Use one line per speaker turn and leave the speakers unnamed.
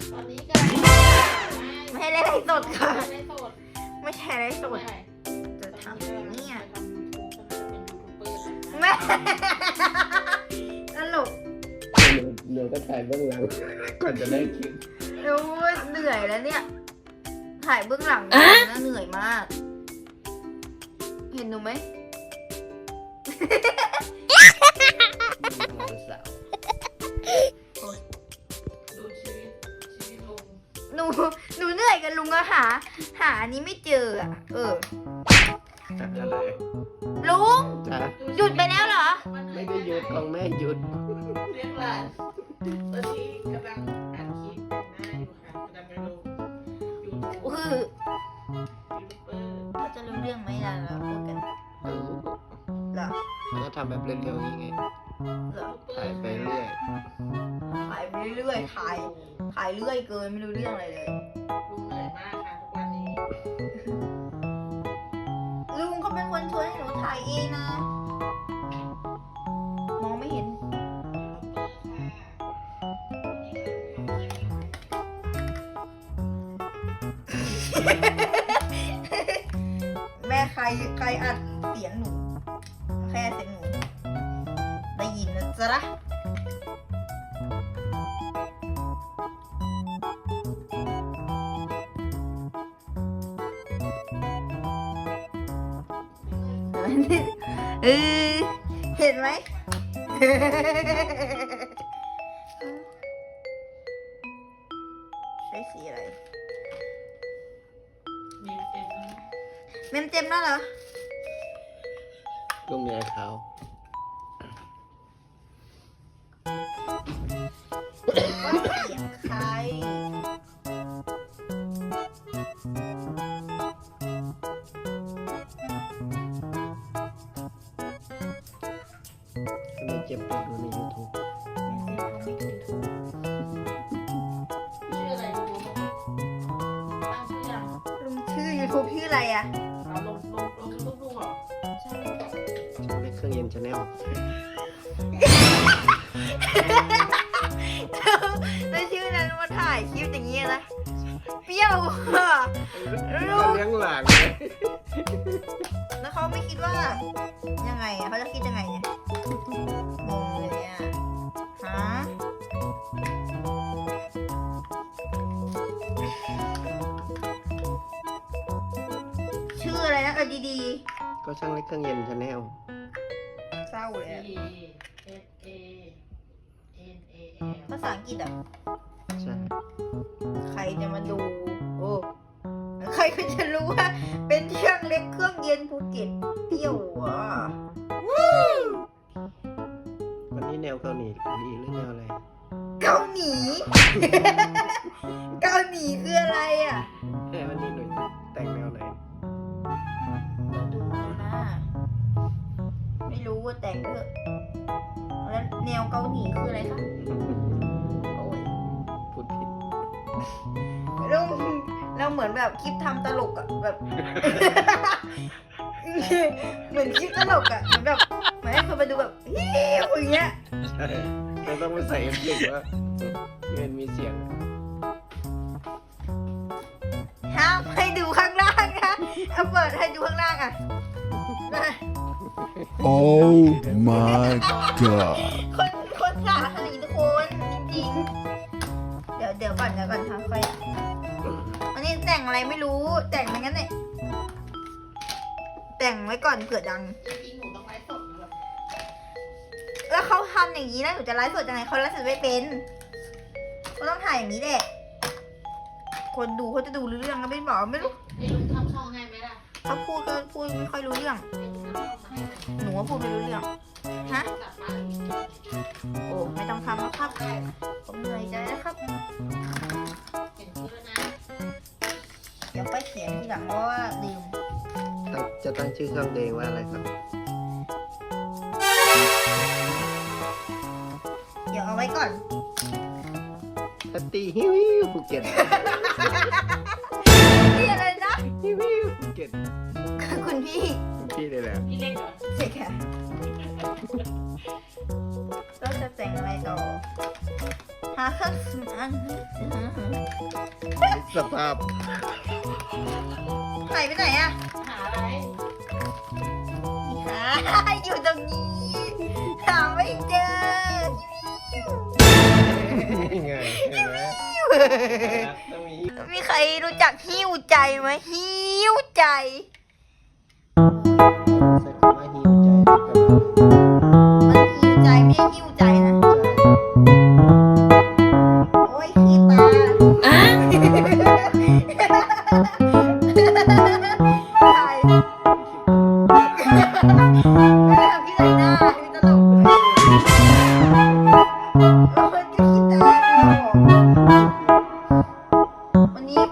ตอนนี้ก็
ไม่ให้เล่นไลฟ์สดค่ะ
ไม่ได้โสด
ไม่ใช่ไลฟ์สด
ใช่
จะทำอย่างนี้อ่ะ
ทำยูทูบก็น่าจะเป็นยูทูบเบอร์นะ
แม่ตลก
เดี๋ยวก็ถ่ายเบื้องหลังก่อนจะได้คลิป
ดูเหนื่อยแล้วเนี่ย ถ่ายเบื้องหลังนะเหนื่อยมาก เห็นหนูไหม
น้องสาว
ดูชีวิตลุง
หนูเหนื่อยกับลุงอะหาอันนี้ไม่เจออะ
จะอะไร
ลุง
จ้ะ
หยุดไปแล้วเหรอ
ไม่ได้หยุดของแม่หยุด
เรียกหลานตอนนี้กำลังอัดคลิปแต่งหน้าอยู่ค่ะกำลังไปลงยูทูบ
คือ
ยูทูบเบอร์
เขาจะรู้เรื่องไหมล่ะเราพูดกัน
รู้
เหรอ
แล้วก็ทำแบบเร็วๆอย่างงี้ไง
เหรอ
ถ่ายไปเรื่อย
ถ่ายไปเรื่อยๆถ่ายเรื่อยเกินไม่รู้เรื่องอะไรเลย
ลุงเหนื่อยมากค่ะทุกวันนี้
ลุงเขาเป็นคนชวนให้หนูถ่ายเองนะ มองไม่เห็น แม่ใครอัดเสียงหนู แค่เสียงหนู ได้ยินนะจ๊ะ เออเห็นไหม ใช้สีอะไร
มีเต็มแล้วนะ
เมมเต็มแล้วเหรอ
ลูกเมียเขา
ว่าเสียงใคร
ก็ไม่เจ็บปวดดูใน YouTube
ชื่ออะไรดูตั้งชื่อยัง
ลุงชื่อ YouTube ชื่ออะไรอ่ะ
เอาลงรูปลุงเหรอ
ใช่
ช่องเล็กเครื่องเย็นชาแนล
แล้วชื่อนั้นมาถ่ายคลิปอย่างนี้นะ เปรี้ยวอ่ะ
ก็เลี้ยงหลานไง
แล้วเขาไม่คิดว่า ยังไงอ่ะเขาจะคิดยังไงเนี่ยงงเลยอ่ะฮะชื่ออะไรนะดี
ก็ช่างเล็กเครื่องเย็นชาแนล
ๆเศร้าเลยอะ
E S A N A L
ภาษาอังกฤษอ่ะ
ใช่
ใครจะมาดู โอ้ใครก็จะรู้ว่า เป็นเครื่องเล็กเครื่องเย็นภูเก็ตเปรี้ยวอ่ะ
วันนี้แนวเกาหลีดีหรือแนวอะไร
เกาหลี เกาหลีคืออะไรอ่ะ
วันนี้หนูแต่งแนวไหน
เราดูนะ ไม่รู้ว่าแต่งเถอะแล้วแนวเกาหลีคืออะไรคะ โอ้ย
พูดผิด
เราเหมือนแบบคลิปทำตลกอะแบบ เหมือนคลิปตลกอะเหมือนแบบเหมือนให้คนมาดูแบบฮิวอย่างเงี้ย
ใช่เราต้องไปใส่เอฟเฟกต์ว่าเงินมีเสียง
ห้ามให้ดูข้างล่างนะเอาเปิดให้ดูข้างล่างอะนะ
Oh my god.
คนสาขนาดนี้ทุกคนจริงๆเดี๋ยวก่อนค่ะค่อยอันนี้แต่งอะไรไม่รู้แต่งไปงั้นเนี่ยแต่งไว้ก่อนเผื่อดัง
จริงๆหนูต้องไลฟ์สดนะแบบ
แล้วเขาทำอย่างนี้แล้วหนูจะไลฟ์สดยังไงเขาไลฟ์สดไม่เป็นเขาต้องถ่ายอย่างนี้แหละคนดูเขาจะดูรู้เรื่องก็ไม่บอกไม่รู้
ให้ลุงทำช่องให้ไหมล่ะ
เขาพูดก็พูดไม่ค่อยรู้เรื่อง
ให้ลุงทำช่องให้
หนูว่าพูดไม่รู้เรื่องฮะ
กลับมาอีก
โอ้ไม่ต้องทำแล้วครับ
ได้
ผมเหนื่อยใจแล้วครับ
เห็นชื่อแล้วนะ
เดี๋ยวไปเขียนทีหลังเพราะว่าลืม
จะตั้งชื่อเครื่องเดงว่าอะไรครับ
เดี๋ยวเอาไว้ก่อน
แพตตี้ฮิวฮิวภูเก็ต
นี่อะไรนะ
ฮิวฮิวภูเก็ต
คุณพี่
พี่เลยแหละ
พี่เล็กเหรอ
ใช่ค่ะเราจะแต่งอะไรต่อหาเครื่องสำอาง
สภาพ
หายไปไหนอะ
หาอะไร
หาอยู่ตรงนี้ หาไม่เจอ
นี่ไงเห็นไหมต้องมี
มีใครรู้จักหิ้วใจไหมหิ้วใจ
ใส่คำว่าหิวใจกับ